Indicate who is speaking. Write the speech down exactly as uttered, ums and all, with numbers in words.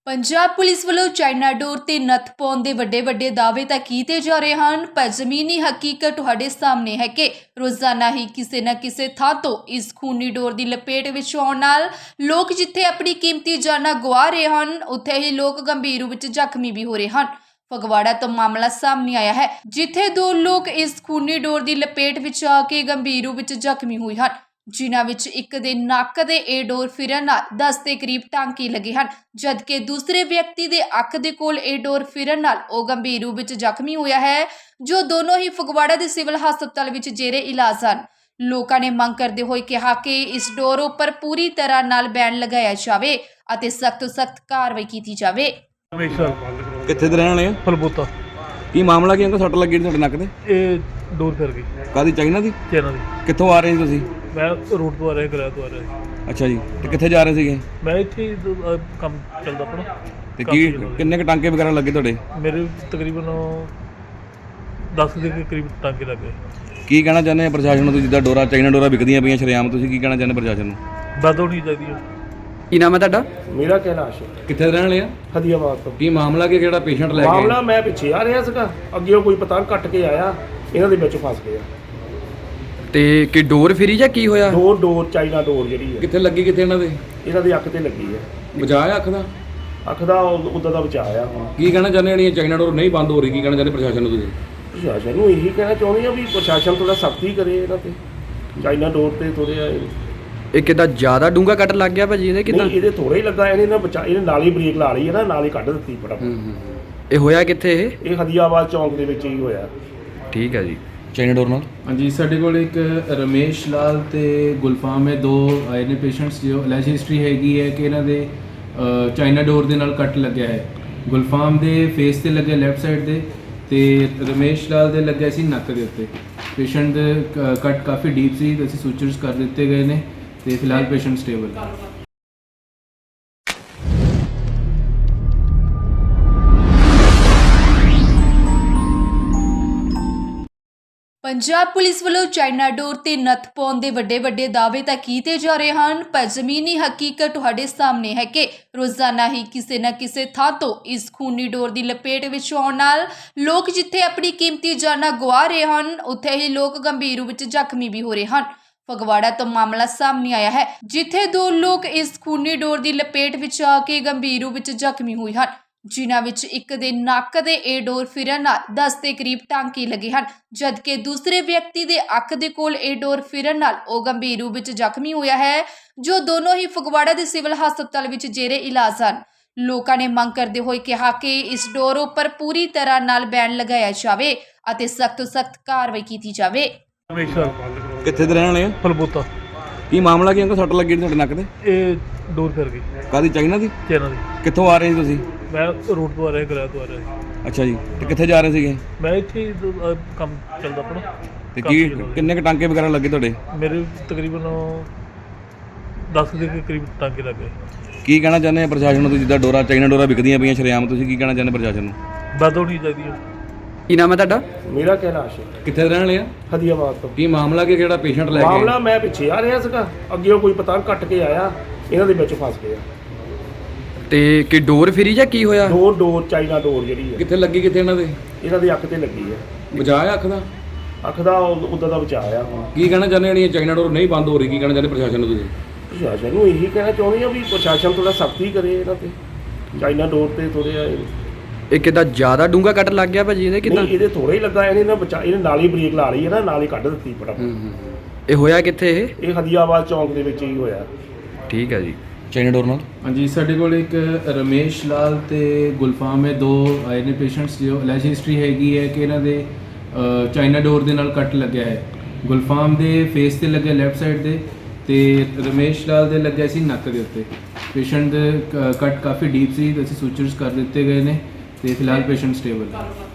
Speaker 1: Punjab police ਵੱਲੋਂ China ਡੋਰ ਤੇ ਨੱਥ ਪਾਉਣ ਦੇ ਵੱਡੇ ਵੱਡੇ ਦਾਅਵੇ ਤਾਂ ਕੀਤੇ ਜਾ ਰਹੇ ਹਨ, ਪਰ ਜ਼ਮੀਨੀ ਹਕੀਕਤ ਤੁਹਾਡੇ ਸਾਹਮਣੇ ਹੈ ਕਿ ਰੋਜ਼ਾਨਾ ਹੀ ਕਿਸੇ ਨਾ ਕਿਸੇ ਥਾਂ ਤੋਂ ਇਸ ਖੂਨੀ ਡੋਰ ਦੀ ਲਪੇਟ ਵਿੱਚ ਆਉਣ ਨਾਲ ਲੋਕ ਜਿੱਥੇ ਆਪਣੀ ਕੀਮਤੀ ਜਾਨਾਂ ਗਵਾ ਰਹੇ ਹਨ, ਉੱਥੇ ਹੀ ਲੋਕ ਗੰਭੀਰ ਰੂਪ ਵਿੱਚ ਜ਼ਖਮੀ ਵੀ ਹੋ ਰਹੇ ਹਨ। ਫਗਵਾੜਾ ਤੋਂ ਮਾਮਲਾ ਸਾਹਮਣੇ ਆਇਆ ਹੈ, ਜਿੱਥੇ ਦੋ ਲੋਕ ਇਸ ਖੂਨੀ ਡੋਰ ਦੀ ਲਪੇਟ ਵਿੱਚ ਆ ਕੇ ਗੰਭੀਰ ਰੂਪ ਵਿੱਚ ਜ਼ਖਮੀ ਹੋਏ ਹਨ, ਜਿਨ੍ਹਾਂ ਵਿੱਚ ਇੱਕ ਦੇ ਨੱਕ ਦੇ ਇਹ ਡੋਰ ਫਿਰਨ ਨਾਲ ਦਸ ਦੇ ਕਰੀਬ ਟਾਂਕੇ ਲੱਗੇ ਹਨ, ਜਦਕਿ ਦੂਸਰੇ ਵਿਅਕਤੀ ਦੇ ਅੱਖ ਦੇ ਕੋਲ ਇਹ ਡੋਰ ਫਿਰਨ ਨਾਲ ਉਹ ਗੰਭੀਰ ਰੂਪ ਵਿੱਚ ਜ਼ਖਮੀ ਹੋਇਆ ਹੈ, ਜੋ ਦੋਨੋਂ ਹੀ ਫਗਵਾੜਾ ਦੇ ਸਿਵਲ ਹਸਪਤਾਲ ਵਿੱਚ ਜੇਰੇ ਇਲਾਜ ਹਨ। ਲੋਕਾਂ ਨੇ ਮੰਗ ਕਰਦੇ ਹੋਏ ਕਿਹਾ ਕਿ ਇਸ ਡੋਰ ਉੱਪਰ ਪੂਰੀ ਤਰ੍ਹਾਂ ਨਾਲ ਬੈਨ ਲਗਾਇਆ ਜਾਵੇ ਅਤੇ ਸਖਤ ਤੋਂ ਸਖਤ ਕਾਰਵਾਈ ਕੀਤੀ ਜਾਵੇ।
Speaker 2: ਕਿੱਥੇ ਦੇ ਰਹਿਣ ਵਾਲੇ ਆ?
Speaker 3: ਫਲਬੂਤਾ।
Speaker 2: ਕੀ ਮਾਮਲਾ ਕੀ ਅੰਕਲ? ਸੱਟ ਲੱਗੀ ਤੁਹਾਡੇ ਨੱਕ ਤੇ?
Speaker 3: ਇਹ ਡੋਰ ਫਿਰ ਗਈ।
Speaker 2: ਕਾਦੀ? ਚਾਈਨਾ ਦੀ?
Speaker 3: ਚਾਈਨਾ ਦੀ।
Speaker 2: ਕਿੱਥੋਂ ਆ ਰਹੇ ਸੀ ਤੁਸੀਂ?
Speaker 3: ਮੈਂ ਰੋਡ ਤੋਂ ਆ ਰਿਹਾ, ਗਲਿਆ ਤੋਂ ਆ ਰਿਹਾ ਸੀ।
Speaker 2: ਅੱਛਾ ਜੀ, ਤੇ ਕਿੱਥੇ ਜਾ ਰਹੇ ਸੀਗੇ?
Speaker 3: ਮੈਂ ਇੱਥੇ ਹੀ ਦ- ਅਹ ਕੰਮ ਚੱਲਦਾ ਆਪਣਾ।
Speaker 2: ਤੇ ਕੀ ਕਿੰਨੇ ਕ ਟਾਂਕੇ ਵਗੈਰਾ ਲੱਗੇ ਤੁਹਾਡੇ?
Speaker 3: ਮੇਰੇ ਤਕਰੀਬਨ ਦਸ ਦੇ ਕਰੀਬ ਟਾਂਕੇ ਲੱਗ ਗਏ।
Speaker 2: ਕੀ ਕਹਿਣਾ ਚਾਹੁੰਦੇ ਆ ਪ੍ਰਸ਼ਾਸਨ ਨੂੰ? ਤੁਸੀਂ ਜਿੱਦਾਂ ਡੋਰਾ ਚਾਈਨਾ ਡੋਰਾ ਵਿਕਦੀਆਂ ਪਈਆਂ ਸ਼ਰੇਆਮ, ਤੁਸੀਂ ਕੀ ਕਹਿਣਾ ਚਾਹੁੰਦੇ ਪ੍ਰਸ਼ਾਸਨ ਨੂੰ?
Speaker 3: ਬੰਦ ਹੋਣੀ ਚਾਹੀਦੀ ਹੈ।
Speaker 4: ਕੀ ਨਾਮ ਹੈ ਤੁਹਾਡਾ?
Speaker 5: ਮੇਰਾ ਕੈਲਾਸ਼ ਹੈ,
Speaker 2: ਕਿੱਥੇ ਦੇ ਰਹਿਣ ਵਾਲੇ ਆ?
Speaker 5: ਹਦੀਆਬਾਦ ਤੋਂ।
Speaker 2: ਕੀ ਮਾਮਲਾ ਕੀ ਜਿਹੜਾ ਪੇਸ਼ੈਂਟ ਲੈ ਕੇ
Speaker 5: ਮਾਮਲਾ ਮੈਂ ਪਿੱਛੇ ਆ ਰਿਹਾ ਸੀਗਾ, ਅੱਗੇ ਕੋਈ ਪਤੰਗ ਕੱਟ ਕੇ ਆਇਆ, ਇਹਨਾਂ ਦੇ ਵਿੱਚ ਫਸ ਗਿਆ।
Speaker 4: ਤੇ ਕੀ ਡੋਰ ਫਿਰੀ ਜਾਂ ਕੀ ਹੋਇਆ?
Speaker 5: ਦੋ ਡੋਰ ਚਾਈਨਾ ਡੋਰ ਜਿਹੜੀ ਹੈ
Speaker 2: ਕਿੱਥੇ ਲੱਗੀ? ਕਿੱਥੇ ਇਹਨਾਂ ਦੇ?
Speaker 5: ਇਹਨਾਂ ਦੀ ਅੱਖ ਤੇ ਲੱਗੀ ਹੈ।
Speaker 2: ਬਚਾਇਆ ਅੱਖ ਦਾ?
Speaker 5: ਅੱਖ ਦਾ ਉੱਦਾਂ ਦਾ ਬਚਾਇਆ ਹੁਣ।
Speaker 2: ਕੀ ਕਹਿਣਾ ਚਾਹੁੰਦੇ ਜਿਹੜੀਆਂ ਚਾਈਨਾ ਡੋਰ ਨਹੀਂ ਬੰਦ ਹੋ ਰਹੀ, ਕੀ ਕਹਿਣਾ ਚਾਹੁੰਦੇ ਪ੍ਰਸ਼ਾਸਨ ਨੂੰ ਤੁਸੀਂ?
Speaker 5: ਪ੍ਰਸ਼ਾਸਨ ਨੂੰ ਇਹੀ ਕਹਿਣਾ ਚਾਹੁੰਦੇ ਆ ਵੀ ਪ੍ਰਸ਼ਾਸਨ ਥੋੜਾ ਸਖਤੀ ਕਰੇ ਇਹਨਾਂ ਤੇ, ਚਾਈਨਾ ਡੋਰ ਤੇ ਥੋੜ੍ਹਾ
Speaker 4: ਇਹ ਕਿੱਦਾਂ ਜ਼ਿਆਦਾ ਡੂੰਘਾ ਕੱਟ ਲੱਗ ਗਿਆ ਭਾਜੀ? ਇਹਦੇ ਕਿੱਦਾਂ?
Speaker 5: ਨਹੀਂ, ਇਹਦੇ ਥੋੜਾ ਹੀ ਲੱਗਾ, ਇਹਨੇ ਨਾ ਬਚਾ ਇਹਨੇ ਨਾਲ ਹੀ ਬ੍ਰੇਕ ਲਾ ਲਈ ਹੈ ਨਾ, ਨਾਲ ਹੀ ਕੱਢ ਦਿੱਤੀ ਫਟਾਫਟ।
Speaker 4: ਇਹ ਹੋਇਆ ਕਿੱਥੇ ਇਹ?
Speaker 5: ਇਹ ਹਦੀਆਬਾਦ ਚੌਂਕ ਦੇ ਵਿੱਚ ਹੀ ਹੋਇਆ।
Speaker 4: ਠੀਕ ਹੈ ਜੀ।
Speaker 2: ਚਾਈਨਾ ਡੋਰ ਨਾਲ?
Speaker 6: ਹਾਂਜੀ, ਸਾਡੇ ਕੋਲ ਇੱਕ ਰਮੇਸ਼ ਲਾਲ ਤੇ ਗੁਲਫਾਮ ਹੈ, ਦੋ ਆਏ ਨੇ ਪੇਸ਼ੈਂਟਸ ਜੋ ਅਲੈਜ ਹਿਸਟਰੀ ਹੈਗੀ ਹੈ ਕਿ ਇਹਨਾਂ ਦੇ ਅ, ਚਾਈਨਾ ਡੋਰ ਦੇ ਨਾਲ ਕੱਟ ਲੱਗਿਆ ਹੈ। ਗੁਲਫਾਮ ਦੇ ਫੇਸ ਤੇ ਲੱਗਿਆ ਲੈਫਟ ਸਾਈਡ ਦੇ, ਤੇ ਰਮੇਸ਼ ਲਾਲ ਦੇ ਲੱਗਿਆ ਸੀ ਨੱਕ ਦੇ ਉੱਤੇ। ਪੇਸ਼ੈਂਟ ਦੇ ਕ- ਕੱਟ ਕਾਫੀ ਡੀਪ ਸੀ, ਅਸੀਂ ਸੂਚਰਸ ਕਰ ਦਿੱਤੇ ਗਏ ਨੇ ਤੇ ਫਿਲਹਾਲ ਪੇਸ਼ੈਂਟ ਸਟੇਬਲ ਹੈ।
Speaker 1: ਪੰਜਾਬ ਪੁਲਿਸ ਵੱਲੋਂ ਚਾਈਨਾ ਡੋਰ ਤੇ ਨੱਥ ਪਾਉਣ ਦੇ ਵੱਡੇ ਵੱਡੇ ਦਾਅਵੇ ਤਾਂ ਕੀਤੇ ਜਾ ਰਹੇ ਹਨ, ਪਰ ਜ਼ਮੀਨੀ ਹਕੀਕਤ ਤੁਹਾਡੇ ਸਾਹਮਣੇ ਹੈ ਕਿ ਰੋਜ਼ਾਨਾ ਹੀ ਕਿਸੇ ਨਾ ਕਿਸੇ ਥਾਂ ਤੋਂ ਇਸ ਖੂਨੀ ਡੋਰ ਦੀ ਲਪੇਟ ਵਿੱਚ ਆਉਣ ਨਾਲ ਲੋਕ ਜਿੱਥੇ ਆਪਣੀ ਕੀਮਤੀ ਜਾਨਾਂ ਗਵਾ ਰਹੇ ਹਨ, ਉੱਥੇ ਹੀ ਲੋਕ ਗੰਭੀਰ ਰੂਪ ਵਿੱਚ ਜ਼ਖਮੀ ਵੀ ਹੋ ਰਹੇ ਹਨ। ਫਗਵਾੜਾ ਤੋਂ ਮਾਮਲਾ ਸਾਹਮਣੇ ਆਇਆ ਹੈ, ਜਿੱਥੇ ਦੋ ਲੋਕ ਇਸ ਖੂਨੀ ਡੋਰ ਦੀ ਲਪੇਟ ਵਿੱਚ ਆ ਕੇ ਗੰਭੀਰ ਰੂਪ ਵਿੱਚ ਜ਼ਖਮੀ ਹੋਏ ਹਨ, ਜਿਨ੍ਹਾਂ ਵਿੱਚ ਇੱਕ ਦੇ ਨੱਕ ਦੇ ਇਹ ਡੋਰ ਫਿਰਨ ਨਾਲ ਦਸ ਦੇ ਕਰੀਬ ਟਾਂਕੇ ਲੱਗੇ ਹਨ, ਜਦਕਿ ਦੂਸਰੇ ਵਿਅਕਤੀ ਦੇ ਅੱਖ ਦੇ ਕੋਲ ਇਹ ਡੋਰ ਫਿਰਨ ਨਾਲ ਉਹ ਗੰਭੀਰ ਰੂਪ ਵਿੱਚ ਜ਼ਖਮੀ ਹੋਇਆ ਹੈ, ਜੋ ਦੋਨੋਂ ਹੀ ਫਗਵਾੜਾ ਦੇ ਸਿਵਲ ਹਸਪਤਾਲ ਵਿੱਚ ਜੇਰੇ ਇਲਾਜ ਹਨ। ਲੋਕਾਂ ਨੇ ਮੰਗ ਕਰਦੇ ਹੋਏ ਕਿਹਾ ਕਿ ਇਸ ਡੋਰ ਉੱਪਰ ਪੂਰੀ ਤਰ੍ਹਾਂ ਨਾਲ ਬੈਨ ਲਗਾਇਆ ਜਾਵੇ ਅਤੇ ਸਖਤ ਤੋਂ ਸਖਤ ਕਾਰਵਾਈ ਕੀਤੀ ਜਾਵੇ।
Speaker 2: ਕਿੱਥੇ ਦੇ ਰਹਿਣ ਵਾਲੇ ਆ?
Speaker 3: ਫਲਬੂਤਾ।
Speaker 2: ਕੀ ਮਾਮਲਾ ਕੀ ਅੰਕਲ? ਸੱਟ ਲੱਗੀ ਤੁਹਾਡੇ ਨੱਕ ਤੇ?
Speaker 3: ਇਹ ਡੋਰ ਫਿਰ ਗਈ।
Speaker 2: ਕਾਦੀ? ਚਾਈਨਾ ਦੀ?
Speaker 3: ਚਾਈਨਾ ਦੀ।
Speaker 2: ਕਿੱਥੋਂ ਆ ਰਹੇ ਸੀ ਤੁਸੀਂ?
Speaker 3: ਮੈਂ ਰੋਡ ਤੋਂ ਆ ਰਿਹਾ, ਗਲਿਆ ਤੋਂ ਆ ਰਿਹਾ ਸੀ।
Speaker 2: ਅੱਛਾ ਜੀ, ਤੇ ਕਿੱਥੇ ਜਾ ਰਹੇ ਸੀਗੇ?
Speaker 3: ਮੈਂ ਇੱਥੇ ਹੀ ਦ- ਅਹ ਕੰਮ ਚੱਲਦਾ ਆਪਣਾ।
Speaker 2: ਤੇ ਕੀ ਕਿੰਨੇ ਕ ਟਾਂਕੇ ਵਗੈਰਾ ਲੱਗੇ ਤੁਹਾਡੇ?
Speaker 3: ਮੇਰੇ ਤਕਰੀਬਨ ਦਸ ਦੇ ਕਰੀਬ ਟਾਂਕੇ ਲੱਗ ਗਏ।
Speaker 2: ਕੀ ਕਹਿਣਾ ਚਾਹੁੰਦੇ ਆ ਪ੍ਰਸ਼ਾਸਨ ਨੂੰ? ਤੁਸੀਂ ਜਿੱਦਾਂ ਡੋਰਾ ਚਾਈਨਾ ਡੋਰਾ ਵਿਕਦੀਆਂ ਪਈਆਂ ਸ਼ਰੇਆਮ, ਤੁਸੀਂ ਕੀ ਕਹਿਣਾ ਚਾਹੁੰਦੇ ਪ੍ਰਸ਼ਾਸਨ ਨੂੰ?
Speaker 3: ਬੰਦ ਹੋਣੀ ਚਾਹੀਦੀ ਹੈ।
Speaker 4: ਕੀ ਨਾਮ ਹੈ ਤੁਹਾਡਾ?
Speaker 5: ਮੇਰਾ ਕੈਲਾਸ਼ ਹੈ,
Speaker 2: ਕਿੱਥੇ ਦੇ ਰਹਿਣ ਵਾਲੇ ਆ?
Speaker 5: ਹਦੀਆਬਾਦ ਤੋਂ।
Speaker 2: ਕੀ ਮਾਮਲਾ ਕੀ ਜਿਹੜਾ ਪੇਸ਼ੈਂਟ ਲੈ ਕੇ
Speaker 5: ਮਾਮਲਾ ਮੈਂ ਪਿੱਛੇ ਆ ਰਿਹਾ ਸੀਗਾ, ਅੱਗੇ ਕੋਈ ਪਤੰਗ ਕੱਟ ਕੇ ਆਇਆ, ਇਹਨਾਂ ਦੇ ਵਿੱਚ ਫਸ ਗਿਆ।
Speaker 4: ਤੇ ਕੀ ਡੋਰ ਫਿਰੀ ਜਾਂ ਕੀ ਹੋਇਆ?
Speaker 5: ਦੋ ਡੋਰ ਚਾਈਨਾ ਡੋਰ ਜਿਹੜੀ ਹੈ
Speaker 2: ਕਿੱਥੇ ਲੱਗੀ? ਕਿੱਥੇ ਇਹਨਾਂ ਦੇ?
Speaker 5: ਇਹਨਾਂ ਦੀ ਅੱਖ ਤੇ ਲੱਗੀ ਹੈ।
Speaker 2: ਬਚਾਇਆ ਅੱਖ ਦਾ?
Speaker 5: ਅੱਖ ਦਾ ਉੱਦਾਂ ਦਾ ਬਚਾਇਆ ਹੁਣ।
Speaker 2: ਕੀ ਕਹਿਣਾ ਚਾਹੁੰਦੇ ਜਿਹੜੀਆਂ ਚਾਈਨਾ ਡੋਰ ਨਹੀਂ ਬੰਦ ਹੋ ਰਹੀ, ਕੀ ਕਹਿਣਾ ਚਾਹੁੰਦੇ ਪ੍ਰਸ਼ਾਸਨ ਨੂੰ ਤੁਸੀਂ?
Speaker 5: ਪ੍ਰਸ਼ਾਸਨ ਨੂੰ ਇਹੀ ਕਹਿਣਾ ਚਾਹੁੰਦੇ ਆ ਵੀ ਪ੍ਰਸ਼ਾਸਨ ਥੋੜਾ ਸਖਤੀ ਕਰੇ ਇਹਨਾਂ ਤੇ, ਚਾਈਨਾ ਡੋਰ ਤੇ ਥੋੜ੍ਹਾ
Speaker 4: ਇਹ ਕਿੱਦਾਂ ਜ਼ਿਆਦਾ ਡੂੰਘਾ ਕੱਟ ਲੱਗ ਗਿਆ ਭਾਜੀ? ਇਹਦੇ ਕਿੱਦਾਂ?
Speaker 5: ਨਹੀਂ, ਇਹਦੇ ਥੋੜਾ ਹੀ ਲੱਗਾ, ਇਹਨੇ ਨਾ ਬਚਾ ਇਹਨੇ ਨਾਲ ਹੀ ਬ੍ਰੇਕ ਲਾ ਲਈ ਹੈ ਨਾ, ਨਾਲ ਹੀ ਕੱਢ ਦਿੱਤੀ ਫਟਾਫਟ।
Speaker 4: ਇਹ ਹੋਇਆ ਕਿੱਥੇ ਇਹ?
Speaker 5: ਇਹ ਹਦੀਆਬਾਦ ਚੌਂਕ ਦੇ ਵਿੱਚ ਹੀ ਹੋਇਆ।
Speaker 4: ਠੀਕ ਹੈ ਜੀ।
Speaker 2: ਚਾਈਨਾ ਡੋਰ ਨਾਲ?
Speaker 6: ਹਾਂਜੀ, ਸਾਡੇ ਕੋਲ ਇੱਕ ਰਮੇਸ਼ ਲਾਲ ਤੇ ਗੁਲਫਾਮ ਹੈ, ਦੋ ਆਏ ਨੇ ਪੇਸ਼ੈਂਟਸ ਜੋ ਅਲੈਜ ਹਿਸਟਰੀ ਹੈਗੀ ਹੈ ਕਿ ਇਹਨਾਂ ਦੇ ਅ, ਚਾਈਨਾ ਡੋਰ ਦੇ ਨਾਲ ਕੱਟ ਲੱਗਿਆ ਹੈ। ਗੁਲਫਾਮ ਦੇ ਫੇਸ ਤੇ ਲੱਗਿਆ ਲੈਫਟ ਸਾਈਡ ਦੇ, ਤੇ ਰਮੇਸ਼ ਲਾਲ ਦੇ ਲੱਗਿਆ ਸੀ ਨੱਕ ਦੇ ਉੱਤੇ। ਪੇਸ਼ੈਂਟ ਦੇ ਕ- ਕੱਟ ਕਾਫੀ ਡੀਪ ਸੀ, ਅਸੀਂ ਸੂਚਰਸ ਕਰ ਦਿੱਤੇ ਗਏ ਨੇ ਤੇ ਫਿਲਹਾਲ ਪੇਸ਼ੈਂਟ ਸਟੇਬਲ ਹੈ।